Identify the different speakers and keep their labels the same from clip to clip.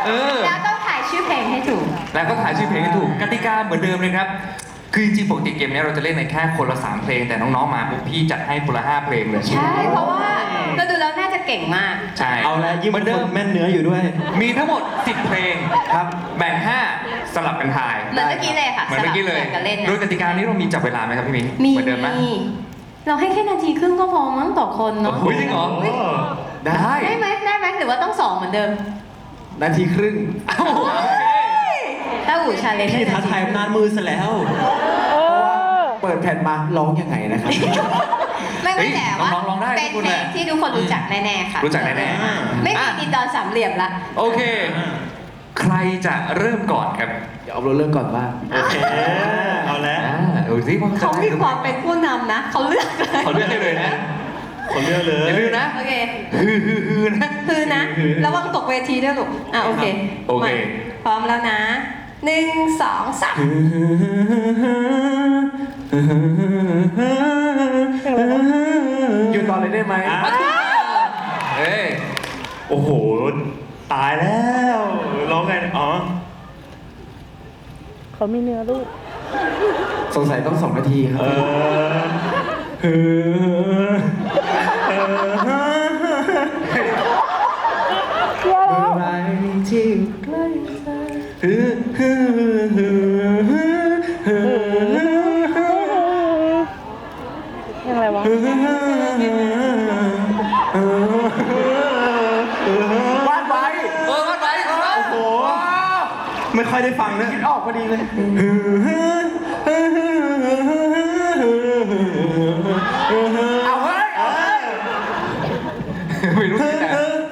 Speaker 1: แล้วต้องถ่ายชื่อเพลงให้ถูก
Speaker 2: แล้วก็ถ่ายชื่อเพลงให้ถูกกติกาเหมือนเดิมเลยครับคือจริงๆปกติเกมนี้เราจะเล่นในแค่คนละ3เพลงแต่น้องๆมาปุ๊บพี่จัดให้คนละ5เพลงเลย
Speaker 1: ใช่เพราะว่าเราดูแล้วน่าจะเก่งมาก
Speaker 2: ใช่
Speaker 3: เอาแล้วยิ่ง
Speaker 2: เหมือนเดิ
Speaker 3: ค
Speaker 2: ม
Speaker 3: นแม่นเนื้ออยู่ด้วย
Speaker 2: มีทั้งหมด10เพลง
Speaker 3: ครับ
Speaker 2: แบ่ง5สลับกันถ่าย
Speaker 1: เหมือนเมื่อกี้เลยค่ะ
Speaker 2: เหมือนเมื่อกี้เลย
Speaker 1: สบกันเล่น
Speaker 2: โดยกติกานี้เรามีจับเวลาไหมครับพี่มิ้น
Speaker 1: มี
Speaker 2: เหมือนเดิมไหม
Speaker 1: เราให้แค่นาทีครึ่งก็พอมั้งต่อคนเนาะ
Speaker 2: โอ้โหจริงเหรอ ได้
Speaker 1: ได้ไหมหรือว่าต้อง2เหมือนเดิม
Speaker 3: นาทีครึ่ง
Speaker 2: เอ้าโอเค
Speaker 1: ถ้าอู่ชาเลนจ์
Speaker 3: พี่ท้าทายอำนาจมือซะแล้ว เพราะว่าเปิดแผ่นมาร้องยังไงนะครับ
Speaker 1: ไม่แต่ว่า
Speaker 2: น้องๆร้องได้
Speaker 1: เป็น
Speaker 2: ทุกคน
Speaker 1: เพล
Speaker 2: แห
Speaker 1: ง
Speaker 2: ละ
Speaker 1: ที่ทุกคนรู้จักแน่ๆค่ะ
Speaker 2: รู้จักแน่ๆ
Speaker 1: ไม่มี
Speaker 2: อ่ะ
Speaker 1: ดินดอนสามเหลี่ยมละ
Speaker 2: โอเค ใครจะเริ่มก่อนครับ
Speaker 3: เดี๋ยวเอาเรื่องก่อนว่า
Speaker 4: โอเค เอาแล้ว
Speaker 2: ดูสิว่า
Speaker 1: เขามีความเป็นผู้นำนะเขาเลือกเลย
Speaker 2: เขาเลือกให้เลยนะ
Speaker 4: คนเลือกเลย
Speaker 2: อย่าลืมนะ
Speaker 1: โอเค
Speaker 2: ฮือนะ
Speaker 1: คือนะระวังตกเวทีด้วยลูกโอเค
Speaker 2: โอเค
Speaker 1: มาพร้อมแล้วนะ1 2 3
Speaker 3: หยุดตอนเลยได้ไหม
Speaker 2: เอ้ย
Speaker 4: โอ้โห ตายแล้วร้องไงอ๋อ
Speaker 5: เขามีเนื้อลูก
Speaker 3: สงสัยต้อง2 นาทีครับ อะไรที่ใกล้เธอ
Speaker 5: ยังไงวะ
Speaker 3: วาดไว้
Speaker 2: วัดไว้
Speaker 4: โอ้โห ไม่ค่อยได้ฟังนะ
Speaker 3: คิดออกพอดีเลย เอาเฮ้ย
Speaker 2: ไม่รู้ที่ไหน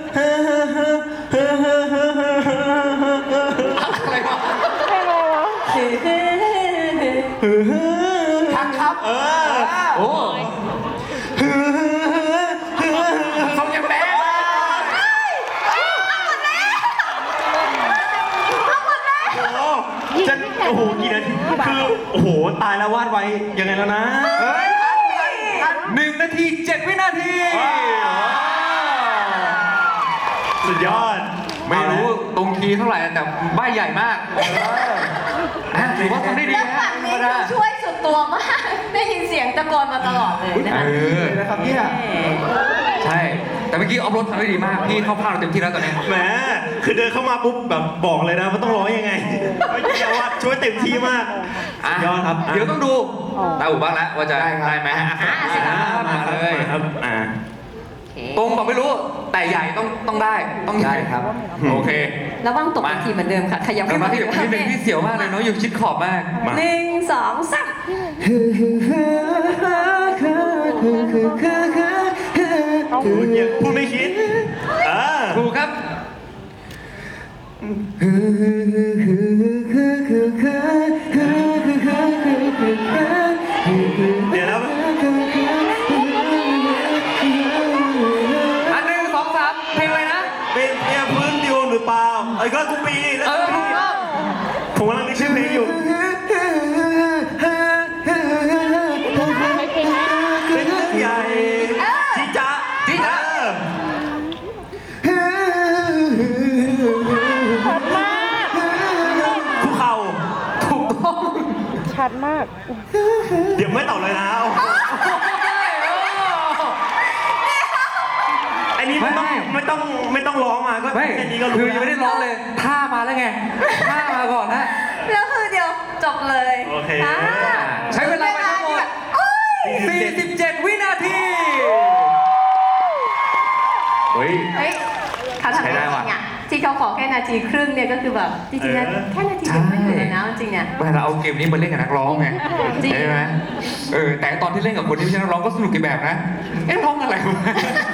Speaker 2: อะไรวะ
Speaker 3: ทักครับ
Speaker 2: โอ้
Speaker 3: เขายังแบด
Speaker 4: จะโอ้โห กี่นาที คือ โอ้โห ตายแล้ววาดไว้ ยังไงแล้วนะ
Speaker 2: เฮ้ย1 นาที 7 วินาที
Speaker 4: สุดยอด
Speaker 2: ไม่รู้ตรงคีย์เท่าไหร่แต่ใบใหญ่มากถือว่าทำได้ดี
Speaker 1: แล้ว
Speaker 2: นะ
Speaker 1: ฝั่งนี้คือช่วยสุดตัวมาก ได้ยินเสียงตะโกนมาตลอดเลยนะคะ
Speaker 3: เลยนะครับเนี่ย
Speaker 2: ใช่ แต่เมื่อกี้ออฟโรดทำได้ดีมาก พี่เข้าพลาดเต็มที่แล้วตอนนี้
Speaker 4: แหม คือเดินเข้ามาปุ๊บแบบบอกเลยนะว่าต้องร้องยังไงเมื่อกี้วาดช่วยเต็มที่มาก
Speaker 2: อ่ะ
Speaker 4: ยอดครับ
Speaker 2: เดี๋ยวต้องดูตาอู่บ้างแล้วว่าจะได้ไหมมาเลย
Speaker 4: ครับ
Speaker 2: ตรงบอกไม่รู้ แต่ใหญ่ต้องได้ต้องใหญ่
Speaker 3: ได้ครับ
Speaker 2: โอเค
Speaker 1: ระวังตกเวทีเหมือนเดิมค่ะ ขยับ
Speaker 2: เดี๋ยวมาที่เดี๋ยวนิดนึงพี่เสียวมากเลยเนาะอยู่ชิดขอบมาก
Speaker 1: 1 2 3
Speaker 4: พูดยังพูดไม่คิด
Speaker 2: ถูกครับ
Speaker 4: เดี๋ยวแล้ว
Speaker 2: อัน1 2 3เพลงอะไรนะ
Speaker 4: เป็นเพียพื้นดิวหรือเปล่าไอ้ก็กูปีแล้ว
Speaker 2: ถูกต้อง
Speaker 4: ผมกำลังนึกชื่อเพลงอยู่
Speaker 5: ไม่เพลงนี้
Speaker 4: เป็นเรื่องใหญ่จีจ๊ะ
Speaker 2: จีจ๊ะ
Speaker 5: ชัดมาก
Speaker 4: ภูเขา
Speaker 2: ถูกต้อง
Speaker 5: ชัดมาก
Speaker 4: เดี๋ยวไม่ตอบเลยนะอันนี้ไม่ต้องร้องมาก็
Speaker 2: ไม่
Speaker 4: แค่นี้ก็
Speaker 2: คื
Speaker 4: รู้
Speaker 2: อยังไม่ได้ร้องเลย ท่ามาแล้วไง ท่ามาก่อนนะ
Speaker 1: แล้วคือเดี๋ยวจบเลย
Speaker 4: โอเค
Speaker 2: ใช้เวลาไปทั้งหมด 47 วินาที เฮ้ย
Speaker 1: เฮ้ยเขาทำ
Speaker 2: ใช้ได้
Speaker 1: ได้จ
Speaker 2: ว่ะ
Speaker 1: ริงอ่ะที่เขาขอแค่นาทีครึ่งเนี่ยก็คือแบบจริงๆนะแค่นาทีเดียวไม่ถึงเลยนะจริงๆเนี่ย
Speaker 2: เวลาเอาเกมนี้มาเล่นกับนักร้องไง
Speaker 1: จริง
Speaker 2: ใช่ไหมแต่ตอนที่เล่นกับคนที่ไม่ใช่นักร้องก็สนุกอีกแบบนะ เอ๊ะร้องอะไรวะ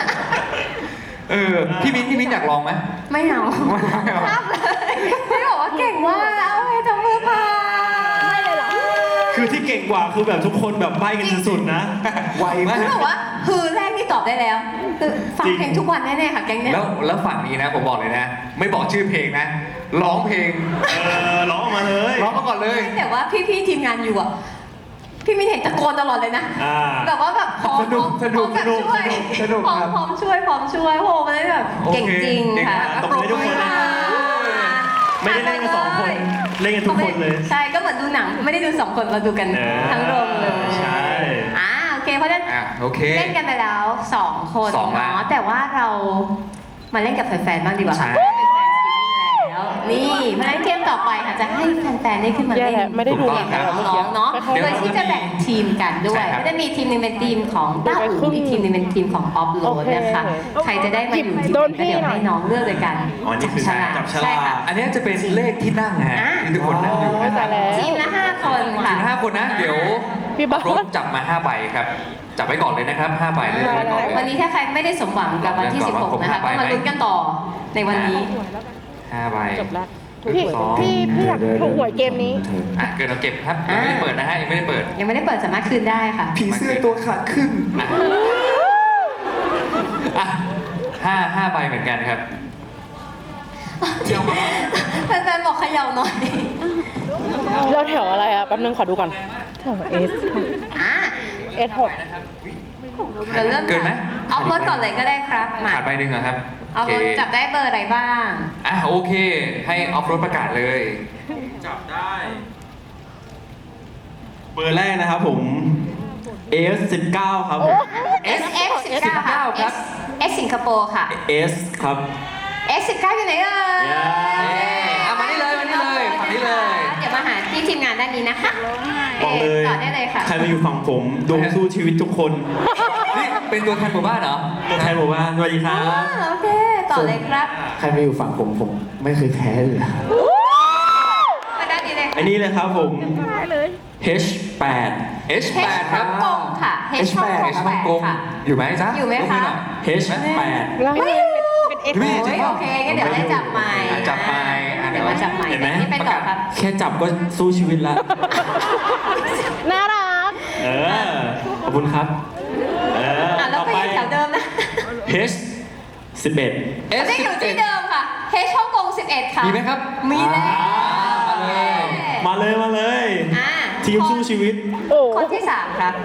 Speaker 2: พี่มิ้นอยากลองไหม
Speaker 1: ไม่เอา
Speaker 2: ไม่เอา
Speaker 1: ภาพเลยไม่บอกว่าเก่งมากเอาให้ทำมือพาไม่เลยเหรอ
Speaker 4: คือที่เก่งกว่าคือแบบทุกคนแบบใบ้กันสุดๆนะ
Speaker 3: ไวมาก
Speaker 1: คือบอกว่าคือแรกนี่ตอบได้แล้วคือฟังเพลงทุกวันแน่ๆค่ะแก๊งเนี่ย
Speaker 2: แล้วฝั่งนี้นะผมบอกเลยนะ ไม่บอกชื่อเพลงนะ ร้องเพลง
Speaker 4: ร้องออกมาเลย
Speaker 2: ร้องมาก่อนเลย
Speaker 1: แต่ว่าพี่ๆทีมงานอยู่อ่ะพี่มินเห็นตะโกนตลอดเลยนะ แบบว่าแบบพร้อม
Speaker 3: สนุก
Speaker 1: พร้อมแบบช่วย
Speaker 3: สนุก
Speaker 1: พร้อม
Speaker 3: ครับ
Speaker 1: พร้อมช่วยโหมันเลยแบบเก่งจริงค่ะ
Speaker 4: ตบมือให้ทุกคนนะ
Speaker 1: ข
Speaker 4: ไม่ได้เล่นกันสองคน เล่นกันทุกคนเลย
Speaker 1: ใช่ก็เหมือนดูหนังไม่ได้ดูสองคนเราดูกันทั้งโรงเลย
Speaker 4: ใช่
Speaker 1: โอเคเพราะฉะนั้น
Speaker 2: โอเค
Speaker 1: เล่นกันไปแล้ว2 คน
Speaker 2: สองละ
Speaker 1: เนาะแต่ว่าเรามาเล่นกับแฟนๆบ้างดีกว่า
Speaker 2: ใช่
Speaker 1: ค่ะเป็นแฟนสตรีมมิ่งแล้วนี่เพราะฉะนั้นเกมต่อไปค่ะจะให้แฟนๆได้ขึ้นมา
Speaker 5: แย่
Speaker 1: เล่น
Speaker 5: แล้วไม่ได้ดู
Speaker 2: ถูกต้อง
Speaker 5: เกม
Speaker 2: ครับ
Speaker 1: น้องๆเนาะ
Speaker 5: เดี๋ยว
Speaker 1: โดยที่จะแบ่งทีมกันด้ว
Speaker 2: ใช่
Speaker 1: ย
Speaker 2: ครับ
Speaker 1: ก็จะมีทีมหนึงเป็นทีมของต้าอู่อีกทีมหนึงเป็นทีมของออฟโหลดนะคะ
Speaker 5: โอเค
Speaker 1: ใครจะได้มาอยู่ทีม
Speaker 5: โดน
Speaker 1: ก็เดี๋ยว
Speaker 5: พี่หน่อย
Speaker 1: ให้น้องเลือกเลยกัน
Speaker 4: อ๋อนี่คือการจับฉลาก
Speaker 1: ใช่ค่ะ
Speaker 2: อันนี้จะเป็นเลขที่นั่งนะฮะที่ทุกคนนั่งอยู่
Speaker 5: โอ้ย
Speaker 2: นะค
Speaker 5: ตา
Speaker 2: รั
Speaker 5: ย
Speaker 2: บ
Speaker 5: แล้ว
Speaker 1: ทีมละ5 คน
Speaker 2: ถึ
Speaker 1: ค่ะ
Speaker 2: ง5 คนนะ เดี๋ยว
Speaker 5: พี่บอส
Speaker 2: รถจับมา5 ใบครับ จับไว้ก่อนเลยนะครับ5 ใบเลยไว้ก่อนเลย
Speaker 1: วันนี้ถ้าใครไม่ได้สมหวังกับวันที่ 16 นะคะก็มาลุ้นกันต่อในวันนี้
Speaker 2: 5 ใบ
Speaker 5: จบแล้วพี่อยากถูกหวยเกมนี้
Speaker 2: เกินเราเก็บครับยังไม่ได้เปิดนะฮะยังไม่ได้เปิด
Speaker 1: ยังไม่ได้เปิดสามารถคืนได้ค่ะ
Speaker 3: ผีเสื้อตัวขาดครึ่ง
Speaker 2: อ่ะห้าใบเหมือนกันครับ
Speaker 1: แฟนๆบอกเขย่าหน่อย
Speaker 5: เราแถวอะไรอ่ะแป๊บนึงขอดูก่อนแถวเอส
Speaker 1: อ่ะ
Speaker 5: เอสหก
Speaker 1: เราเริ่ม
Speaker 2: เกินไหม
Speaker 1: เอารถก่อนเลยก็ได้ครับมา
Speaker 2: ขาดใบหนึ่งเหรอครับ
Speaker 1: เอารถจับได้เบอร์อะไรบ้าง
Speaker 2: โอเค ให้ออฟรถประกาศเลย
Speaker 4: จับได้ เบอร์แรกนะครับผม S19 ครับผม
Speaker 1: SF 19ค่ะ
Speaker 2: ครับ
Speaker 1: S สิงคโปร์ค่ะ
Speaker 4: S ครับ
Speaker 1: S 19อยู่ไหนเอ่ย
Speaker 2: มานี่เลยฝั่งนี้เลย
Speaker 1: เดี๋ยวมาหาที่ทีมงานด้านนี้นะคะ
Speaker 4: บอกเลย
Speaker 1: ต่อได้เลยค่ะ
Speaker 4: ใครมาอยู่ฝั่งผมดวงสู้ชีวิตทุกคน
Speaker 2: นี่เป็นตัวแทนหมู่บ้านเหรอ
Speaker 4: ตัวแทนบอกว่าสวัสดีครับ
Speaker 1: โอเค ต่อเลยครับ
Speaker 3: ใครมาอยู่ฝั่งผมไม่เคยแพ้เลย
Speaker 1: มาด้านนี้เลย
Speaker 4: อันนี้เลยครับผม H8
Speaker 2: H8
Speaker 1: H
Speaker 2: ค
Speaker 1: ฮ่
Speaker 2: รั
Speaker 1: อบ งกงค่ะ H ฮ่องกง
Speaker 2: H ฮ่องกง
Speaker 1: ค่ะ
Speaker 2: อยู่ไหมจ๊ะ
Speaker 1: อยู่ไหมคะ
Speaker 4: H8
Speaker 5: แล้วเป็นเอส
Speaker 2: พี่
Speaker 1: โอ้ยโอเคงั้นเดี๋ยวได้จับใหม่
Speaker 2: จับใหม่เดี๋
Speaker 1: เดี๋
Speaker 2: ย
Speaker 1: ยว วมาจับใหม่
Speaker 4: เห็นไหม
Speaker 1: นี่เป็นต่อครับ
Speaker 3: แค่จับก็สู้ชีวิตละ
Speaker 5: น่ารัก
Speaker 4: ขอบคุณครับ
Speaker 1: แล้ว
Speaker 4: ต่อ
Speaker 1: ไป
Speaker 4: ไป
Speaker 1: แถวเดิมนะ
Speaker 4: H11
Speaker 1: จะอยู่ที่เดิมค่ะ H ฮ่องกง11 ค่ะ
Speaker 2: มีไหมครับ
Speaker 1: มีแล้ว
Speaker 2: มาเลย
Speaker 4: มาเลย
Speaker 1: อ่า
Speaker 4: ทีมสู้ชีวิต
Speaker 5: โอ้
Speaker 1: คนที่ 3 ครับ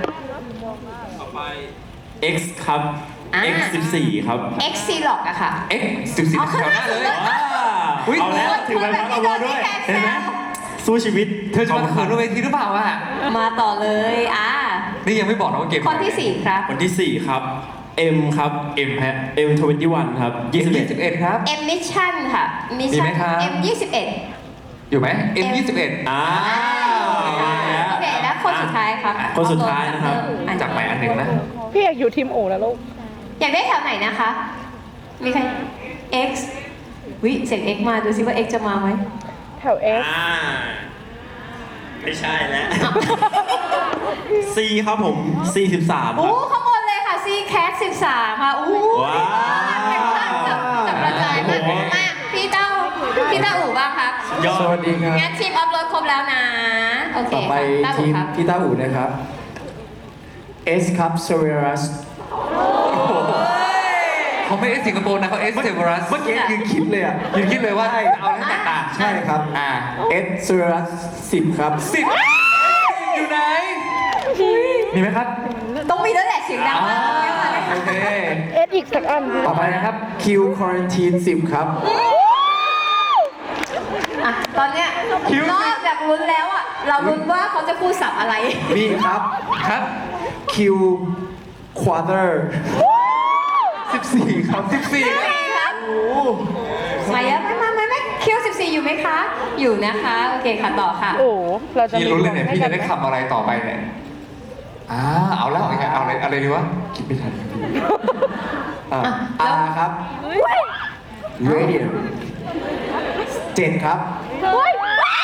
Speaker 4: X ครับ X14 ครับ
Speaker 1: X C Lock อะค่ะ
Speaker 2: X14
Speaker 1: เอา
Speaker 2: แถวหน้าเลย
Speaker 4: ว้า
Speaker 2: อุ๊ย
Speaker 4: เอาแล้วถือใบพัดเอาไว้ด้วย เห็นไหมสู้ชีวิต
Speaker 2: เธอจะมาเขินบนเวทีหรือเปล่าอ่ะ
Speaker 1: มาต่อเลย
Speaker 2: นี่ยังไม่บอกนะว่าเกม
Speaker 1: คนที่ 4 ครับ
Speaker 4: คนที่ 4 ครับ M ครับ M ฮะ M21 ครับ
Speaker 2: 21ครับ
Speaker 1: M Mission ค่ะ
Speaker 2: มีไหมครับ
Speaker 1: M 21
Speaker 2: อยู่ไหม M21
Speaker 4: อ่า
Speaker 1: โอเคแล้วคนสุดท้ายครับ
Speaker 4: คนสุดท้ายนะครับ
Speaker 2: จับใหม่อันหนึ่งนะ
Speaker 5: พี่อยากอยู่ทีมโอแล้วลูก
Speaker 1: อยากได้แถวไหนนะคะ มีใคร X วิเสียง X มาดูซิว่า X จะมาไหม
Speaker 5: แถวเอส
Speaker 4: ไม่ใช่แล้ว C ครับผม C13 ค
Speaker 1: อู้
Speaker 4: รับ
Speaker 1: ข้างบนเลยค่ะ C Cat 13 ค่ะอู้
Speaker 4: ว้าว
Speaker 1: จับกระจายมาก
Speaker 4: โอ้โห
Speaker 1: มากพี่เต้าอู่บ้างครับ
Speaker 4: ยอ
Speaker 3: สวั
Speaker 4: ด
Speaker 3: สดีครับ
Speaker 1: งั้นทีมอัพโหลดครบแล้วนะ โอเค
Speaker 3: ต่อไป
Speaker 1: ค่ะ
Speaker 3: ทีม
Speaker 1: ครับ
Speaker 3: พี่ต้าอู่นะครับ S ครับ Severus
Speaker 2: เขาไม่เอสสิงคโปร์นะเขาเอสเซเวอรัส
Speaker 3: เมื่อกี้ยืนคิดเลยอ่ะ
Speaker 2: ยืนคิดเลยว่าจะเอาอะไรต่าง
Speaker 3: ใช่ครับ S Severus 10 ครับ
Speaker 2: ๆ10อยู่ไหน มีไหมครับ
Speaker 1: ต้องมีแล้วแหละเสียงดังมาก
Speaker 2: โอเค
Speaker 5: เอสอีกสักอัน
Speaker 2: ต่อไปนะครับ
Speaker 3: Q Quarantine 10 ครับ
Speaker 1: อ่ะตอนเนี้ยนอกจากลุ้นแล้วอ่ะ เราลุ้นว่าเขาจะพูดศัพท์อะไร
Speaker 3: นี่ครับ
Speaker 2: ครับ
Speaker 3: Q Quarter 14 ครับ
Speaker 2: 14ครับ
Speaker 1: ครับมาเยอะไม่คิว14 อยู่ไหมคะ อยู่นะคะ โอเคค่ะต่อค่ะ
Speaker 5: โอ้เราจะ
Speaker 2: พี่รู้เลยเนี่ยพี่จะได้
Speaker 5: ไหม
Speaker 2: คำอะไรต่อไปเนี่ยเอาแล้วเอาอะไรดีวะ
Speaker 3: คิดไม่ทันครับ
Speaker 1: แล้ว
Speaker 3: R ครับ Radiant 7 ครับ
Speaker 2: โอ้ย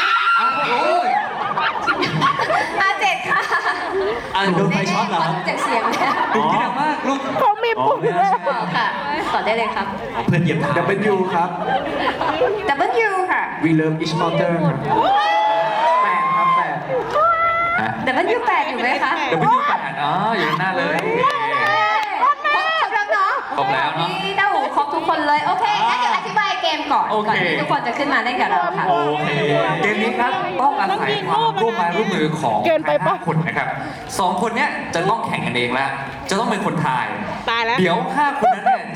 Speaker 1: 7 ค่ะ
Speaker 4: โดนไฟช็อตเหรอครับ
Speaker 1: ดูจากเสียงแล้ว
Speaker 2: ดูที่ดังมากลูก
Speaker 5: เขามีปุ่มแล้ว
Speaker 1: ค่ะ ต่อได้เลยครับ
Speaker 4: เพื่อนเหยียบเท้า
Speaker 3: W ครับ
Speaker 1: W ค่ะ
Speaker 3: We love each other ครับ8 ครับ 8
Speaker 2: ฮะ
Speaker 1: W 8 อยู่ไหมคะ
Speaker 2: W8 อยู่หน้าเลย
Speaker 1: ครบแล้วเนาะ
Speaker 2: ครบแล้วเนอะ
Speaker 1: นี่เต้าหูครบทุกคนเลย โอเคงั้นเดี๋ยวอธิบายเกมก่อน
Speaker 2: โอเค
Speaker 1: ก่อนที่ทุกคนจะขึ้นมาเล่นกับเราค่ะ
Speaker 4: โอเค
Speaker 2: เกมนี้ครับต้องอาศัยความร่วมไม้ร่วมมือของ
Speaker 5: เกินไปปะ
Speaker 2: 5คนนะครับ2 คนเนี้ยจะต้องแข่งกันเองแล้วจะต้องเป็นคนทาย
Speaker 5: ตายแล้ว
Speaker 2: เดี๋ยว5 คนนั้นเนี่ย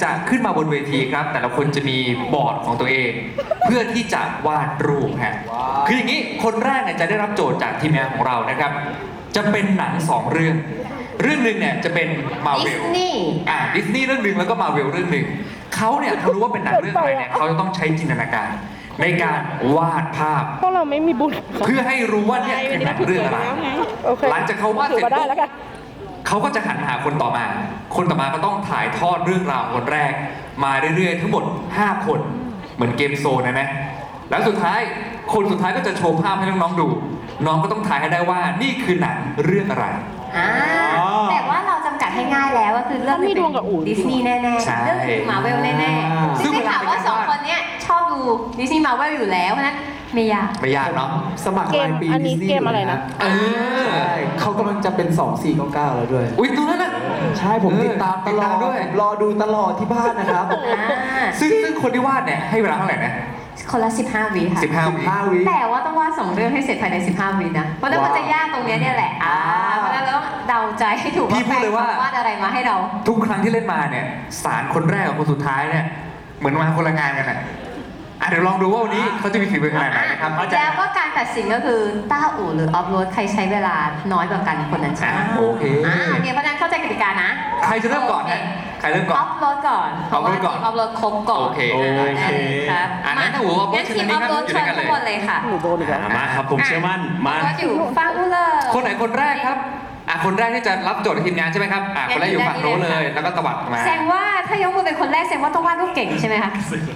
Speaker 2: จะขึ้นมาบนเวทีครับ แต่ละคนจะมีบอร์ดของตัวเอง เพื่อที่จะวาดรูปฮะคืออย่างนี้คนแรกเนี่ยจะได้รับโจทย์จากทีมงานของเรานะครับ จะเป็นหนัง 2 เรื่อง เรื่องหนึ่งเนี่ยจะเป็นมาเว
Speaker 1: ดิ
Speaker 2: ล
Speaker 1: สนีย์
Speaker 2: ดิสนีย์เรื่องหนึ่งแล้วก็มาเวลเรื่องหนึ่งเขาเนี่ยพอรู้ว่าเป็นหนังเรื่องอะไรเนี่ยเขาจะต้องใช้จินตนาการในการวาดภาพ
Speaker 5: พวกเราไม่มีบุญ
Speaker 2: เพื่อให้รู้ว่าเนี่ยคือหนังเรื่องอะไร
Speaker 5: โอเค
Speaker 2: หลังจากเขาวาดเสร็จ
Speaker 5: ถือมาได้
Speaker 2: ปุ๊บ
Speaker 5: แล้วกัน
Speaker 2: เขาก็จะหันหาคนต่อมา คนต่อมาก็ต้องถ่ายทอดเรื่องราวคนแรก มาเรื่อยๆ ทั้งหมด 5 คน เหมือนเกมโซนนะ แล้วสุดท้าย คนสุดท้ายก็จะโชว์ภาพให้น้องๆดู น้องก็ต้องถ่ายให้ได้ว่านี่คือหนังเรื่องอะไร
Speaker 1: แต่ว่าเราจำกัดให้ง่ายแล้วก็คือเรื่อง
Speaker 5: เขามีดวงกับอู๋
Speaker 1: ดิสนีย์แน่ๆ
Speaker 2: ใช่
Speaker 1: เรื่องคือมาเวลแน่ๆ
Speaker 2: ซึ่
Speaker 1: ซึ่
Speaker 2: ง
Speaker 1: งได้ข่าวว่าสองคนเนี้ยชอบดูดิสนีย์มาเวลอยู่แล้วเพราะฉะนั้นไม่ยาก
Speaker 2: ไม่ยากเนาะ
Speaker 3: สมัครรายปี
Speaker 5: อันนี้
Speaker 3: ดิสนีย์
Speaker 5: เกมอะไรนะ
Speaker 2: เออ
Speaker 3: ใช่เขากำลังจะเป็น 2499 แล้วด้วย
Speaker 2: อุ้ยตรงนั้นน่ะ
Speaker 3: ใช่ผมติดตามตลอด
Speaker 2: ด้วย
Speaker 3: รอดูตลอดที่บ้านนะครับ
Speaker 2: ซึ่งคนที่วาดเนี่ยให้เวลาเท่าไหร่นะ
Speaker 1: คนละ 15 วิค่ะ
Speaker 2: 15 วิ
Speaker 3: 15 วิ
Speaker 1: แต่ว่าต้องวาด2 เรื่องให้เสร็จภายใน 15 วินะ เพราะฉะนั้นมันจะยากตรงเนี้ยเนี่ยแหละเพราะฉะนั้นเราต้องเดาใจให้ถูก
Speaker 2: พี่พูดเลยว่า
Speaker 1: แฟนวาดอะไรมาให้เรา
Speaker 2: ทุกครั้งที่เล่นมาเนี่ยสารคนแรกกับคนสุดท้ายเนี่ยเหมือนมาคนละงานกันน่ะเดี๋ยวลองดูว่าวันนี้เขาจะมีฝีมือขนาดไหนนะครับ
Speaker 1: แล้วก็การตัดสินก็คือต้าอู่หรือออฟโรดใครใช้เวลาน้อยกว่ากันคนนั้นชนะ
Speaker 2: โอเค
Speaker 1: เนี่ยเพราะฉะนั้นเข้าใจกติกานะ
Speaker 2: ใครจะเริ่มก่อนฮะใครเริ่มก่อ
Speaker 1: อน อฟโรดก่อน
Speaker 2: ออฟโรดก่อน
Speaker 1: ออฟโรดครบก่อน
Speaker 2: โอเค
Speaker 1: ได้เลยครับ
Speaker 2: งั้นถ้าอู๋ออฟโรด
Speaker 1: งั้นทีมออฟโรด
Speaker 2: เชิ
Speaker 1: เชิ
Speaker 2: ญ
Speaker 1: ญ
Speaker 2: กันเลย
Speaker 1: ทุกคนเลยค่ะ
Speaker 5: หนูโดนอีกแล้ว
Speaker 4: มาครับผมเชื่อมั่น
Speaker 1: ออ
Speaker 4: มา
Speaker 1: ฟโรดอยู่ฟังอูเลย
Speaker 2: คนไหนคนแรกครับคนแรกที่จะรับโจทย์ในทีมงานใช่ไหมครับคนแรกอยู่ฝั่งโน้นเลย แล้วก็ตวัดมา
Speaker 1: แสดงว่าถ้ายกมือเป็นคนแรกแสดงว่าต้องวาดรูปเก่งใช่ไหมคะ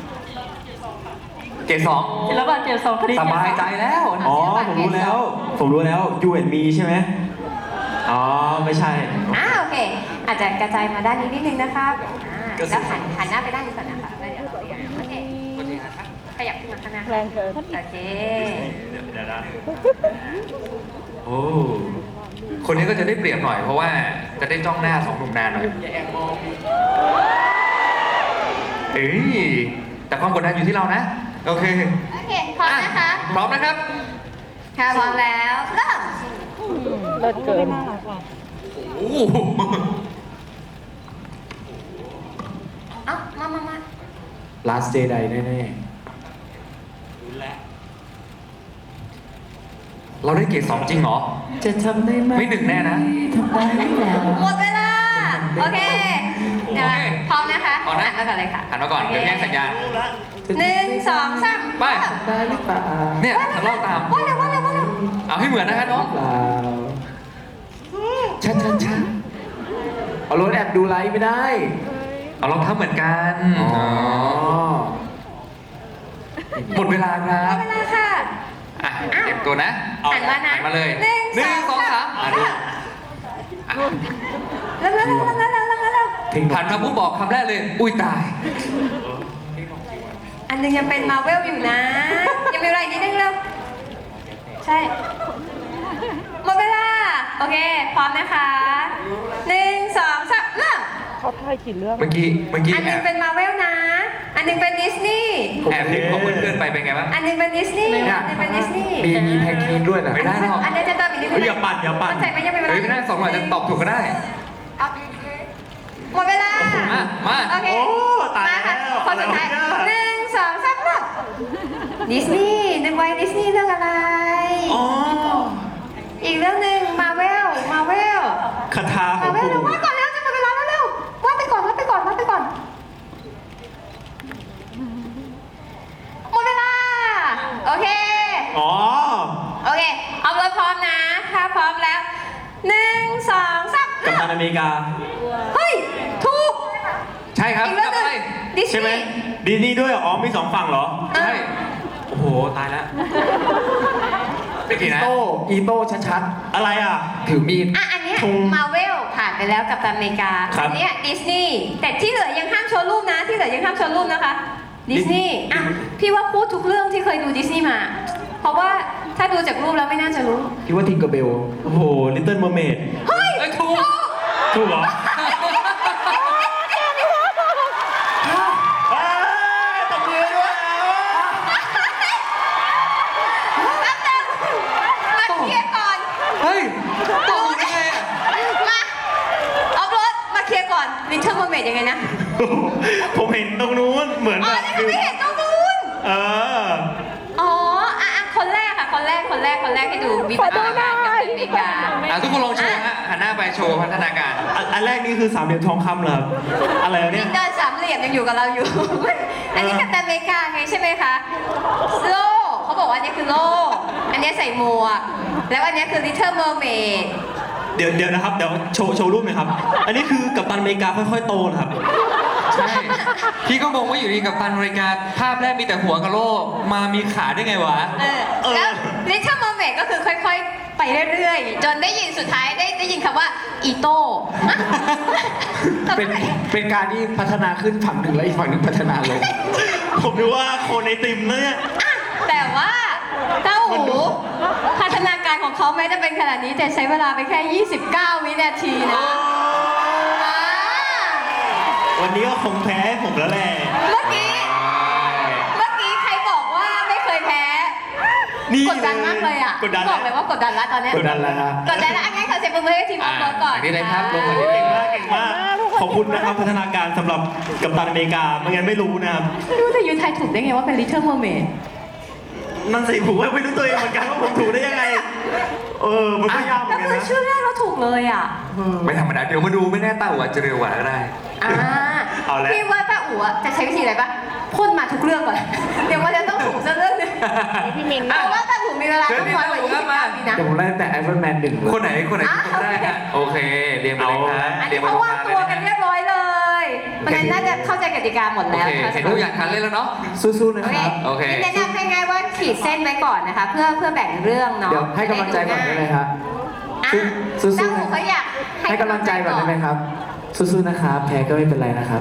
Speaker 2: เกรดสอง
Speaker 1: แล้วก็เกมสองคดี
Speaker 2: สบายใจแล้ว
Speaker 4: อ๋อ ผมรู้แล้ว You and me ใช่ไหมอ๋อ ไม่ใช่
Speaker 1: โอเค อาจจะกระจายมาด้านนี้นิดนึงนะครับแล้วหันหน้าไปด้านนี้ก่อนนะคะแล้วเดี๋ยวโอเคขยับขึ้นมาข้างหน้า
Speaker 5: แรงเกิน
Speaker 1: โอเค
Speaker 4: เดี๋ยวนะ
Speaker 2: โอ้คนนี้ก็จะได้เปรียบหน่อยเพราะว่าจะได้จ้องหน้าสองหนุ่มนานหน่อยเอ้ยแต่ความกดดันอยู่ที่เรานะ โอเค
Speaker 1: โอเค พร้อมนะคะ
Speaker 2: พร้อมนะครับ
Speaker 1: ค่ะพร้อมแล้วเริ่ม
Speaker 5: เลิศเกิน
Speaker 2: โอ้โห
Speaker 1: มา
Speaker 3: Last Jedi แน่
Speaker 2: เราได้เกรดสองจริงเหรอ
Speaker 3: ๆ จะทำได้ไหม
Speaker 2: ไม่หนึ่งแน่นะ
Speaker 3: ทำได้หรือเปล่า
Speaker 1: หมดเวลา โอเคเดี๋ยวพร้อมนะคะ
Speaker 2: พร้อมนะ
Speaker 1: หันมาก่อนเลยค่ะ
Speaker 2: หันมาก่อนเดี๋ยวแย่งสัญญาณ
Speaker 1: 1 2 3
Speaker 2: ไป
Speaker 3: ได้หรือเปล่า
Speaker 2: เนี่ยทำเล่าตาม
Speaker 1: ว่าเร็ว
Speaker 2: เอาให้เหมือนนะคะน้อง
Speaker 3: เปล่าชัดเอารถแอบดูไลฟ์ไม่ได้
Speaker 2: เอารองเท้าเหมือนกัน
Speaker 3: อ๋อ
Speaker 2: หมดเวลาครับ
Speaker 1: เวลาค่ะ
Speaker 2: เตรียมตัวนะ
Speaker 1: หันมานะ
Speaker 2: หันมาเลย
Speaker 1: หนึ่ง
Speaker 2: สองสาม
Speaker 1: เร็ว
Speaker 2: หันมาปุ๊บบอกคำแรกเลย อุ้ยตาย
Speaker 1: อันหนึงยังเป็นมาเวลอยู่นะ ยังมีอะไรอีกนิดนึงเร็วใช่ หมดเวลา โอเค พร้อมนะคะ1 2 3เริ่ม
Speaker 5: เขาถ่ายกี่เรื่อง
Speaker 2: เมื่อกี้
Speaker 1: อันหนึงเป็นมาเวลนะ อันหนึงเป็นดิสนีย์
Speaker 2: แอบเห็นของเพื่อนๆไปเป็นไงบ้าง
Speaker 1: อันหนึงเป็นดิสนีย์ อันหนึงเป็นดิสนีย์
Speaker 3: มีแพ็กเกจด้วยนะ
Speaker 2: ไม่ได้หรอก
Speaker 1: อันนี้จะเติมอีกนิดนึง
Speaker 4: อย่าปั่น
Speaker 1: เข้าใจไหมยังไม่เป็นไร
Speaker 2: เฮ้ยไม่ได้สองหน่อยจะตอบถูกก็ได้
Speaker 1: หมดเวลา
Speaker 2: มา
Speaker 1: โอเค
Speaker 4: โอ้ตาย
Speaker 1: มาค่ะ
Speaker 4: แล้ว
Speaker 1: คนสุดท้าย
Speaker 4: อะไรวะเนี่ย
Speaker 1: 1 2 3เริ่มดิสนีย์นึกไว้ดิสนีย์เรื่องอะไร
Speaker 4: อ๋อ
Speaker 1: อีกเรื่องหนึ่งมาเวล
Speaker 4: คาถาข
Speaker 1: มา
Speaker 4: อง
Speaker 1: เวล
Speaker 4: ปู่
Speaker 1: เร็ววาดก่อนแล้วจะหมดเวลาแล้วเร็ววาดไปก่อนหมดเวลา โอเค
Speaker 4: อ๋อ
Speaker 1: โอเค เอารถพร้อมนะ ถ้าพร้อมแล้ว1 2 3
Speaker 4: กัปตันอเมริกา
Speaker 1: เฮ้ย ถูก
Speaker 2: ใช่ครับ
Speaker 1: อีกเรื่อง
Speaker 2: กลับ
Speaker 1: ห
Speaker 2: ไป
Speaker 1: นึ่งดิส
Speaker 4: ใช่ไหม
Speaker 1: นีย์
Speaker 4: ดีนี่ด้วยเหรออ๋อมีสองฝั่งเหรอ
Speaker 2: ใช่
Speaker 4: โอ้โห ตายแล้ว
Speaker 2: ไม่กี่นะ
Speaker 3: อีโต้ชัด
Speaker 4: อะไรอ่ะ
Speaker 3: ๆ ถือมีด
Speaker 1: อันเนี้ย
Speaker 4: ธง
Speaker 1: มาเวลผ่านไปแล้วกับตันอเมริกา
Speaker 4: ครับ
Speaker 1: อัเนี้ยดิสนีย์แต่ที่เหลือยังห้ามโชว์รูปนะ ที่เหลือยังห้ามโชว์รูปนะคะ ดิสนีย์พี่ว่าพูดทุกเรื่องที่เคยดูดิสนีย์มา เพราะว่าถ้าดูจากรูปแล้วไม่น่าจะรู้
Speaker 3: คิดว่าทิงเกอร์เบล
Speaker 4: โอ้โห Little Mermaid
Speaker 1: เฮ้ย
Speaker 2: เอ้ยถูก
Speaker 4: ถูกเหรอเอ้ยตบมือด้วย
Speaker 1: แป๊บนึงมาเคลียร์ก่อน
Speaker 2: เฮ้ยตอบได้ไงอ่ะ
Speaker 1: มาเอารถมาเคลียร์ก่อนลิทเทิลเมอร์เมดยังไงนะ
Speaker 4: ผมเห็นตรงนู้นเหมือน
Speaker 1: อ๋อ
Speaker 4: แบบ
Speaker 1: นี่คือไม่เห็นตรงนู้น
Speaker 4: เออ
Speaker 1: อ๋อคนแรกค่ะ คนแรกที่ดูวิพัฒนาการกับอเมริกา
Speaker 2: ทุกคนลองโชว์ฮะหันหน้าไปโชว์พัฒนาการ
Speaker 4: อันแรกนี่คือสามเหลี่ยมทองคำเหรอครับอะไรวะ
Speaker 1: วิ
Speaker 4: เนี่ย
Speaker 1: นเดอร์สามเหลี่ยมยังอยู่กับเราอยู่ อันนี้กัปตันอเมริกาไงใช่ไหมคะโล่เขาบอกว่าอันนี้คือโล่อันนี้ใส่หมวก แล้วอันนี้คือ Little Mermaid
Speaker 4: เดี๋ยวนะครับเดี๋ยวโชว์รูปหน่อยครับ อันนี้คือกัปตันอเมริกาค่อยๆโตนะครับ
Speaker 2: ใช่ พี่ก็มองว่าอยู่ดีกับตันอเมริกาภาพแรกมีแต่หัวกะโหลกมามีขาได้ไงวะ
Speaker 1: แล้ว Little Mermaid ก็คือค่อยๆ ไปเรื่อยๆ จนได้ยินสุดท้ายได้ยินคำว่าอีโต้
Speaker 3: เป็นการที่พัฒนาขึ้นฝั่งหนึ่งแล้วอีกฝั่งหนึ่งพัฒนาลง
Speaker 4: ผมดูว่าโคนไอติมนะเนี่ย
Speaker 1: แต่ว่าเต้าหูพัฒนาการของเขาแม้จะเป็นขนาดนี้แต่ใช้เวลาไปแค่ 29 วินาทีนะอ่า
Speaker 4: วันนี้ก็คงแพ้ผมแล้วแหละ
Speaker 1: เมื่อกี้ใครบอกว่าไม่เคยแพ้
Speaker 4: นี่
Speaker 1: กดดันมากเลยอ่ะ
Speaker 4: กดดัน
Speaker 1: บอกเลยว่ากดดันละตอนเนี้ย
Speaker 3: กดดันแล้วฮะ
Speaker 1: กดดันละอันนี้ขอเสียงปรบมือให้ทีมออฟโรดก่อน
Speaker 2: นี่เลยครับลงมา
Speaker 4: เก่งมากเก่งมาก ขอบคุณนะครับพัฒนาการสำหรับกัปตันอเมริกาไม่งั้นไม่รู้นะครับ
Speaker 1: ไม่รู้แต่ยูไทยถูกได้ไงว่าเป็น Little Mermaid
Speaker 4: นั่นสิผมก็ไม่รู้ตัวเองเหมือนกันว่าผมถูกได้ยังไง มันก็ยากเหมื
Speaker 1: แล้
Speaker 4: อ
Speaker 1: วน
Speaker 4: กัน
Speaker 1: คือ
Speaker 4: นะ
Speaker 1: ชื่อแรกเราถูกเลยอ่ะ
Speaker 2: ไม่ธรรมดาเดี๋ยวมาดูไม่แน่เต้าอาจจะเร็วกว่าก็ได้
Speaker 1: อ่า
Speaker 4: เอาละ
Speaker 1: พี่ว่าป้าอู๋อะจะใช้วิธีอะไรปะพ่นมาทุกเรื่องก่อน เดี๋ยวมันจะต้องถูกสักเรื่องหนึง
Speaker 5: พี่มิน
Speaker 1: เพราะว่าป้าอู๋มีเวลาต้องน้อยกว่า
Speaker 2: เชิญพี่
Speaker 1: 29 ปีนะ
Speaker 3: เดี๋ยวผมไล่แต่ไอรอนแมนหนึ่งเลย
Speaker 2: คนไหนคนได้ฮะโอเคเรียงไปเลยครับ
Speaker 1: อัน
Speaker 2: เรีย
Speaker 1: นี้
Speaker 2: งไป
Speaker 1: เขา
Speaker 2: ตรง
Speaker 1: วาก
Speaker 2: ลาง
Speaker 1: ง
Speaker 2: เลยนะ
Speaker 1: ตัวกันเรียบร้อยเลยเพราะฉะนั้นน่าจะเข้าใจกติกาหมด
Speaker 2: โอ
Speaker 1: แล้ว
Speaker 2: เค
Speaker 1: นะคะ
Speaker 2: เห็นว่าอยากทันเล่นแล้วเนาะ
Speaker 3: สู้ๆนะ
Speaker 1: โอ
Speaker 3: ค
Speaker 1: เค
Speaker 3: รับ
Speaker 2: โอเค
Speaker 1: แนะนำให้ง่ายว่าขีดเส้นไว้ก่อนนะคะ เพื่อแบ่งเรื่องเนาะ
Speaker 3: เดี๋ยวให้กำลังใจก่อนได้ไหมครับ
Speaker 1: อ่ะ
Speaker 3: สู้ๆ
Speaker 1: เต้าหูเขาอยาก
Speaker 3: ให้กำลังใจก่อนได้ไหมครับ สู้ๆนะครับ แพ้ก็ไม่เป็นไรนะครับ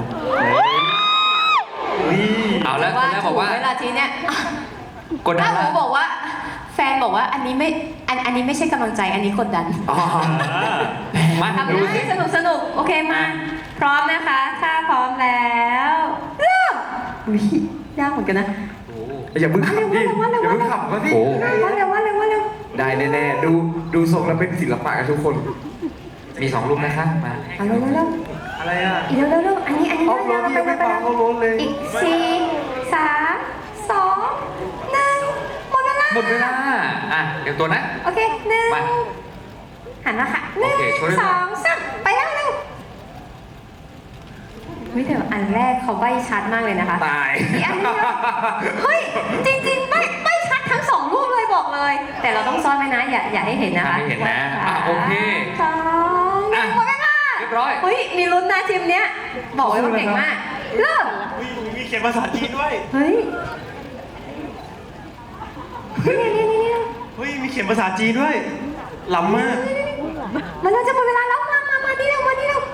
Speaker 2: เอาแล้วคนแรกบอกว่า
Speaker 1: เวลาทีเนี้ย
Speaker 2: กดดั
Speaker 1: ถ้าน หนู
Speaker 2: ละ
Speaker 1: บอกว่าแฟนบอกว่าอันนี้ไม่ใช่กำลังใจอันนี้กดดัน
Speaker 3: อ๋อ
Speaker 2: มา
Speaker 1: ทำ
Speaker 2: ดู
Speaker 1: ได้
Speaker 2: สิ
Speaker 1: สนุกโอเคมา พร้อมนะคะ ถ้าพร้อมแล้วเริ่มอุ๊ยยากเหมือนกันนะ
Speaker 3: อย่าเพิ่งขำดิอย่าเพิ่งขำก็ดิ
Speaker 2: โอ้
Speaker 1: ว่าเร็ว
Speaker 3: ได้แน่ๆ ดูทรงแล้วเป็นศิลปะกันทุกคน
Speaker 2: มี2รูปนะคะมา
Speaker 1: เอาเร็ว
Speaker 3: อะไรอ่ะ
Speaker 1: อีกเร็วอันนี้
Speaker 3: ออฟโรดยังไม่ฟังเขาโรดเลย
Speaker 1: อีก4 3 2 1หมดเวลา
Speaker 2: หมดเวลาอ่ะเดี๋ยวตัวนะ
Speaker 1: โอเคหนึ่ง
Speaker 2: มา
Speaker 1: หันมาค่ะ
Speaker 2: โอเคช่วยด้วย
Speaker 1: 1 2 3ไปแล้วเร็ววิแต่อันแรกเขาใบ้ชัดมากเลยนะคะ
Speaker 2: ตาย
Speaker 1: อีกอันนึงนะเฮ้ย จริงๆไม่ชัดทั้งสองรูปเลยบอกเลย แต่เราต้องซ่อนไว้นะ อย่าให้เห็นนะคะ
Speaker 2: ไม่เห็นนะอ่ะโอเค
Speaker 1: สองหนึ่งหมดเวลา
Speaker 2: เรียบร้อย
Speaker 1: เฮ้ย มีลุ้นนะทีมเนี้ย บอกเลยว่าเก่งมาก เริ่ม
Speaker 4: มีเขียนภาษาจีนด้วย
Speaker 1: เฮ้ยนี่
Speaker 4: เฮ้ย มีเขียนภาษาจีนด้วย ล้ำมาก
Speaker 1: มันเราจะหมดเวลาแล้วมานี่เร็วมานี่เร็ว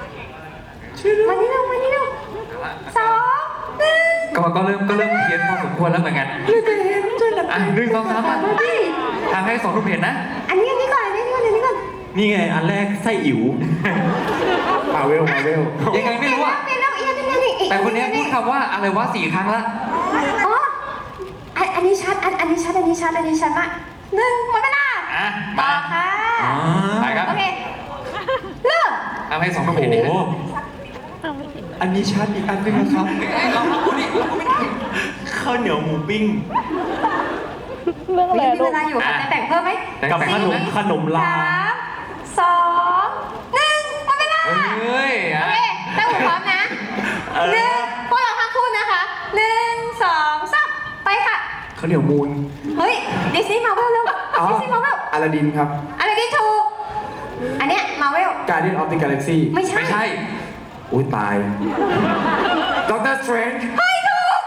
Speaker 1: สองหนึ่ง
Speaker 2: ก็เริ่มเพี้ยนพอสมควรแล้วเหมือนกัน อ่ะ1 2 3มาทำให้2รูปเห็นนะ
Speaker 1: อันนี้ก่อน
Speaker 4: นี่ไง อันแรกไส้อิ๋ว
Speaker 3: มาเวล
Speaker 2: ยังไงไม่รู้อ่ะ
Speaker 1: เป็นแล้วอีก
Speaker 2: แต่คนนี้พูดคำว่าอะไรวะ4 ครั้งละ
Speaker 1: อ๋ออันนี้ชัดอันนี้ชัดมากหนึ่งหมดเวลา
Speaker 2: อ่ะ
Speaker 1: ต่
Speaker 2: มา
Speaker 1: อค่ะ
Speaker 2: ไปครับ
Speaker 1: โอเคเริ่ม
Speaker 2: ทำให้2รูป
Speaker 4: โอ้
Speaker 2: เห็น
Speaker 4: โห
Speaker 2: ดิ
Speaker 3: อันนี้ชัดอีกอันหนึงนะครับ
Speaker 2: ลองพูดดิ
Speaker 4: ข้าวเหนียวหมูปิ้ง
Speaker 5: เรื่องอะไร
Speaker 1: มี
Speaker 5: ลู
Speaker 1: เว
Speaker 5: ก
Speaker 1: ลาอยู่ค่ะจะแบ่งเพิ่มไหม
Speaker 4: กับขนมลา
Speaker 1: 3 2 1หมดเวลา
Speaker 2: เฮ้ย
Speaker 1: โอ
Speaker 2: อ่ะ
Speaker 1: เคเต้าหูพร้อมนะ
Speaker 4: เออ
Speaker 1: หนึ่งพวกเราทั้งคู่นะคะ1 2 3ไปค่ะ
Speaker 3: เขาวเหนียวมูล
Speaker 1: เฮ้ยดิสนีย์มาเวลเร็ว
Speaker 3: อ๋อ
Speaker 1: ดิสนีย์มาเวล
Speaker 3: อลาดินครับ
Speaker 1: อะไรที่ถูก อันเนี้ยมาเวล
Speaker 3: Guardian of the Galaxy
Speaker 1: ไม่ใช่
Speaker 2: ไม่ใช่
Speaker 3: อุ้ยตายDoctor Strange
Speaker 1: เฮ้ยถูก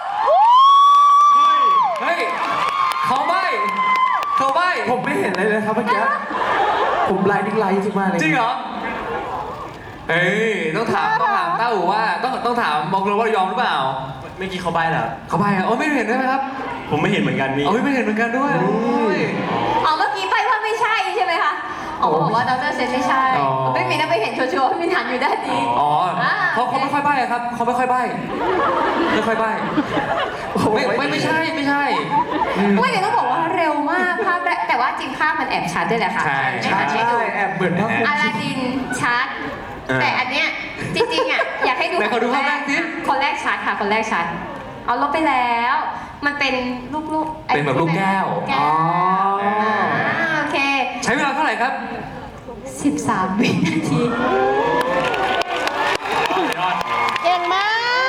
Speaker 2: เฮ้ยเขาใบ้
Speaker 3: ผมไม่เห็นอะไรเลยครับเมื่อกี้ ผมไลน์ดิ้งไลน์ทุกมากเลย
Speaker 2: จริงเหรอ เอ้ยต้องถามเต้าหูว่าต้องถามมองเลยว่ายอมหรือเปล่า
Speaker 4: เมื่อกี้เขาใบ้แล้ว
Speaker 2: เขาใบ้อะโอ้ไม่เห็นด้วยไหมครับ
Speaker 4: ผมไม่เห็นเหมือนกันนี่
Speaker 2: เอาไม่เห็นเหมือนกันด้วยโอ้ย
Speaker 1: อ๋อเมื่อกี้ไปว่าไม่ใช่ใช่ไหมคะอ๋อบอกว่าดรเซนไม่ใช่
Speaker 2: อ๋อ
Speaker 1: ไม่มีนะไปเห็นชัวร์ๆไม่มีฐานอยู่ด้านนี้
Speaker 2: อ๋อ
Speaker 1: อ่า
Speaker 2: เขาไม่ค่อยใบ้อะครับเขาไม่ค่อยใบ้ไม่ใช่อืม
Speaker 1: ไม่เดี๋ยวต้องบอกว่าเร็วมากภาพแรกแต่ว่าจริงภาพมันแอบชัดด้วยแหละค่ะ
Speaker 2: ใช่
Speaker 1: ไม่ทันให้ดู
Speaker 3: แอบเหมือนภาพ
Speaker 1: อลาดินชัด แต่อันเนี้ยจริงๆอ่ะอยากให้ดู
Speaker 2: ไหนขอดูภาพแรกสิ
Speaker 1: คนแรกชัดค่ะ คนแรกชัดเอาลบไปแล้ว มันเป็นลูกๆ
Speaker 2: เป็นแบบลูกแก้ว
Speaker 1: แก้ว
Speaker 3: อ๋อ
Speaker 1: โอเค
Speaker 2: ใช้เวลาเท่าไหร่ครับ
Speaker 1: 13 วินาที
Speaker 5: เก่งมาก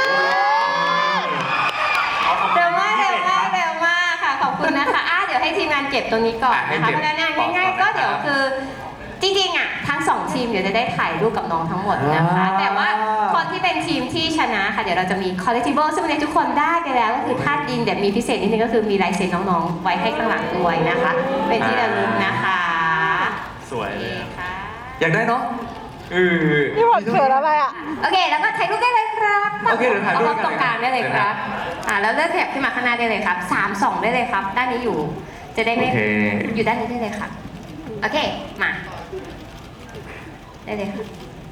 Speaker 1: เร็วมากค่ะ ขอบคุณนะคะเดี๋ยวให้ทีมงานเก็บตรงนี้ก่อนนะคะ
Speaker 2: ให้
Speaker 1: เพ
Speaker 2: เก็บ
Speaker 1: ราะฉะนั้น
Speaker 2: ก่อน
Speaker 1: ง่ายๆ ก็
Speaker 2: นะครับ
Speaker 1: เดี๋ยวคือจริงๆอ่ะทั้ง2ทีมเดี๋ยวจะได้ถ่ายรูปกับน้องทั้งหมดนะคะ แต่ว่าคนที่เป็นทีมที่ชนะค่ะเดี๋ยวเราจะมี collectible ซึ่งวันนี้ทุกคนได้ไปแล้วก็คือธาตุดินเดี๋ยวมีพิเศษนิดนึงก็คือมีลายเซ็นน้องๆไว้ให้ข้างหลังด้วยนะคะ เป็นที่ระลึกนะคะ
Speaker 4: สวยเลยอะ
Speaker 1: ค่ะ
Speaker 2: อยากได้เนาะ
Speaker 5: นี่หมดเขินอะไรอ่ะ
Speaker 1: โอเคแล้วก็ถ่ายรูปได้เลยครับ
Speaker 2: โอเคเดี๋ยวถ่ายรูป
Speaker 1: เอา
Speaker 2: กัน
Speaker 1: ตรงกลางได้เลยครับแล้วเลือกขยับขึ้นมาข้างหน้าได้เลยครับ3-2ได้เลยครับ ด้านนี้อยู่จะได้ไม่
Speaker 2: โอเค
Speaker 1: อยู่ด้านนี้ได้เลยค่ะโอเคมาได้เลยค่ะ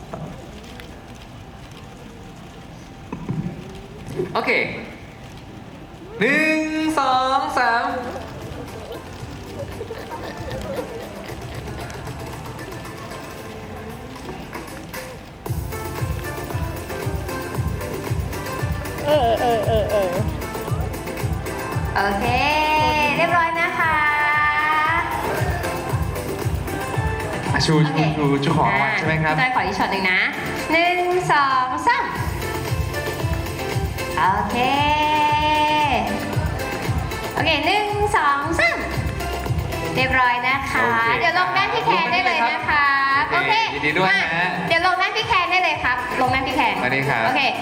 Speaker 2: โอเค1 2 3
Speaker 5: เออ
Speaker 1: โอเค เรียบร้อยนะคะ
Speaker 2: ชู
Speaker 1: โอเค
Speaker 2: ของรางวัลใช่ไหมครับ
Speaker 1: พี่จอยขออีกช็อตหนึ่งนะ1 2 3โอเคโอเค1 2 3เรียบร้อยนะคะ
Speaker 2: โอเค
Speaker 1: เดี๋ยวลงด้านพี่แคนได้เลยนะคะ
Speaker 2: โอเคยินดีด้วยนะฮะ
Speaker 1: เดี๋ยวลงด้านพี่แคนได้เลยครับ ลงด้านพี่แคน
Speaker 2: มาเลยครับ
Speaker 1: โอเค